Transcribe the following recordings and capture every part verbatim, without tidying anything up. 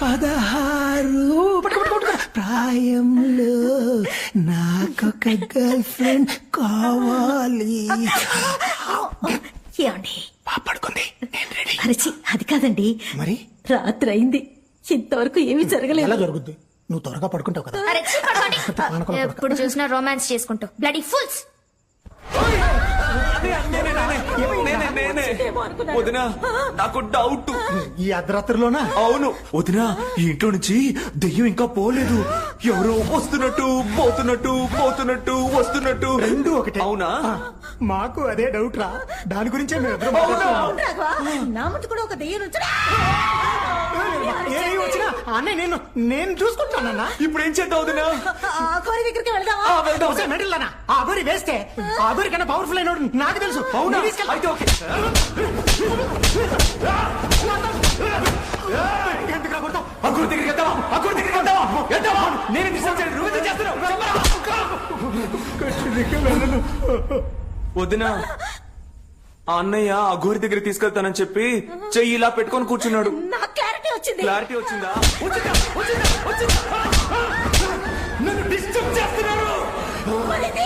పదహారు ప్రాయంలో నాకొక గర్ల్ ఫ్రెండ్ కావాలి. ఏమండి పడుకుంది, నేను రెడీ. అరచి అది కాదండి, మరి రాత్రి అయింది, ఇంతవరకు ఏమీ జరగలేదు. ఎలా జరుగుద్ది? నువ్వు త్వరగా పడుకుంటావు కదా. అరచి పడుకోండి. ఎప్పుడు చూసినా రొమాన్స్ చేసుకుంటూ బ్లడీ ఫుల్స్. వదినా నాకు డౌట్. ఈ అర్ధరాత్రిలోనా? అవును వదినా, ఈ ఇంట్లో నుంచి దెయ్యం ఇంకా పోలేదు. ఎవరో వస్తున్నట్టు పోతున్నట్టు పోతున్నట్టు వస్తున్నట్టు. రెండు ఒకటే. అవునా? మాకు అదే డౌట్ రా, దాని గురించే మేము ఇద్దరం రాఘవా, నా ముందు కూడా ఒక దెయ్యం నుంచి ఏ వచ్చినా అన్నయ్య నేను నేను చూసుకుంటానన్నా. ఇప్పుడు ఏం చేద్దాం వదినా? ఆ కోరి దగ్గరికి వెళ్దామా? ఆ, వెళ్దాం. ఒకసారి మెడల్లానా ఆ అగోరి వేస్తే ఆ అగోరి కన్నా పవర్ఫుల్ అయినోడు నాకు తెలుసు. అవునా? నేను తీసుకెళ్తా. అయితే ఓకే. ఎందుకు రా కొడతావ్? అక్కడ దగ్గరికి వెళ్తావా? అక్కడ దగ్గరికి వెళ్తావా? వెళ్తావా? నేను డిస్టర్బ్ చేయను. నువ్వు ఎందుకు చేస్తున్నావు? వదినా, ఆ అన్నయ్య ఆ గోరి దగ్గర తీసుకెళ్తానని చెప్పి చెయ్యి ఇలా పెట్టుకొని కూర్చున్నాడు. నాకు క్లారిటీ వచ్చింది. క్లారిటీ వచ్చిందా? వచ్చిందా? వచ్చిందా? వచ్చిందా? నన్ను డిస్టర్బ్ చేస్తున్నారు. మరిది?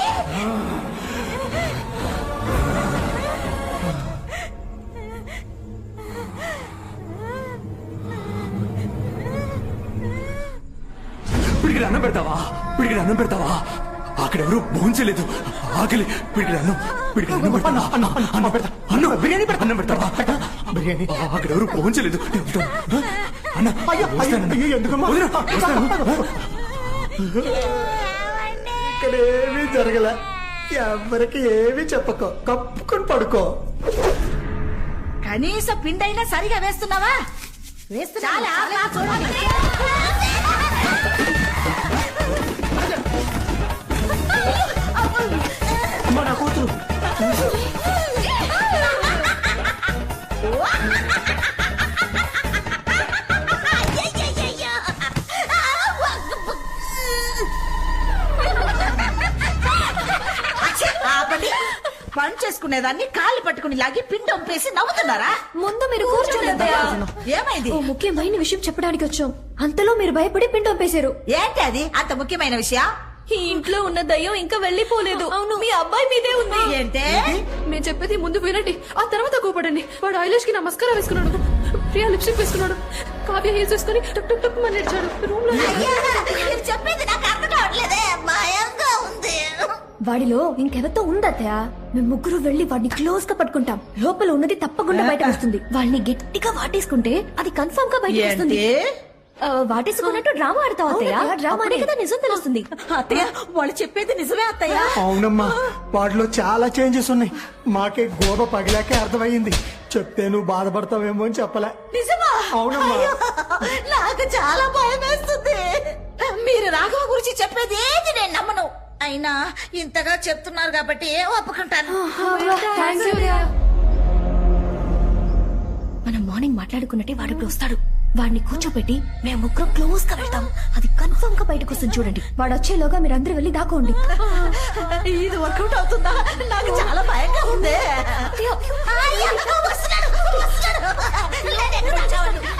పిడికిడి అన్నం పెడతావా? పిడికిడి అన్నం పెడతావా? అక్కడెవరు భోంచలేదు. ఆకలి. పిడికిడి అన్నం పిడికిడి అన్నం పెడతావా? అన్నం అన్నం పెడతా. అన్నం బిర్యానీ పెడతా. అన్నం పెడతావా? బిర్యానీ. అక్కడెవరు భోంచలేదు. అన్న ఎందుకమ్మా వదినా, వస్తాను. ఇక్కడ ఏమీ జరగలే. ఎవరికి ఏమీ చెప్పకో, కప్పుకొని పడుకో. కనీస పిండైనా సరిగా వేస్తున్నావా? వేస్తున్నా. మన కూతురు పని చేసుకునేదాన్ని కాళ్ళు పట్టుకుని లాగి పిండి ఒంపేసి నవ్వుతున్నారా? ముందు మీరు కూర్చోలేదు. ఏమైంది? ఓ ముఖ్యమైన విషయం చెప్పడానికి వచ్చాం, అంతలో మీరు భయపడి పిండి ఒంపేశారు. ఏంటి అది అంత ముఖ్యమైన విషయం? ఈ ఇంట్లో ఉన్న దయ్యం ఇంకా వెళ్లిపోలేదు. అవును, మీ అబ్బాయి మీదే ఉంది. ఏంటే? మేము చెప్పేది ముందు వినండి, ఆ తర్వాత కోపడండి. వాడు ఐలాష్ కి నమస్కారం వేసుకున్నాడు, ప్రియా లిప్స్టిక్ వేసుకున్నాడు, కావ్య హీల్స్ వేసుకుని టుక్ టుక్ టుక్ అని నడిచాడు. రూమ్ లో చెప్పేది నాకు అర్థం కావట్లేదే, భయంగా ఉంది. వాడిలో ఇంకెవరితో ఉందత్తయ్య. మేము ముగ్గురు వెళ్లి వాడిని క్లోజ్ గా పట్టుకుంటాం. లోపల ఉన్నది తప్పకుండా బయట వస్తుంది. వాళ్ళని గట్టిగా వాటేసుకుంటే అది కన్ఫర్మ్ గా బయట వస్తుంది. ఆ, వాటేసుకున్నట్టు డ్రామా ఆడతావు అత్తయ్య. డ్రామానే కదా నిజం తెలుస్తుంది. అత్తయ్య వాళ్ళు చెప్పేది నిజమే అత్తయ్య. అవునమ్మా, వాటిలో చాలా చేంజెస్ ఉన్నాయి. మాకే గోబ పగిలాకే అర్థమైంది. చెప్తే నువ్వు బాధపడతావేమో అని చెప్పలే. నిజమా? అవునమ్మా. అయ్యో, నాకు చాలా భయం వేస్తుంది. మీరు రాఘవ గురించి చెప్పేది ఏది నేను నమ్మను. అయినా ఇంతగా చెప్తున్నారు కాబట్టి ఒప్పుకుంటాను. మనం మార్నింగ్ మాట్లాడుకున్నట్టే వాడు ఇప్పుడు వస్తాడు. వాడిని కూర్చోబెట్టి మేము ముగ్గురం క్లోజ్ గా వెళ్తాం. అది కన్ఫర్మ్ గా బయటకు వస్తుంది. చూడండి, వాడు వచ్చేలోగా మీరు అందరూ వెళ్ళి దాకోండి. ఇది వర్కౌట్ అవుతుందా? నాకు చాలా భయంగా ఉంది.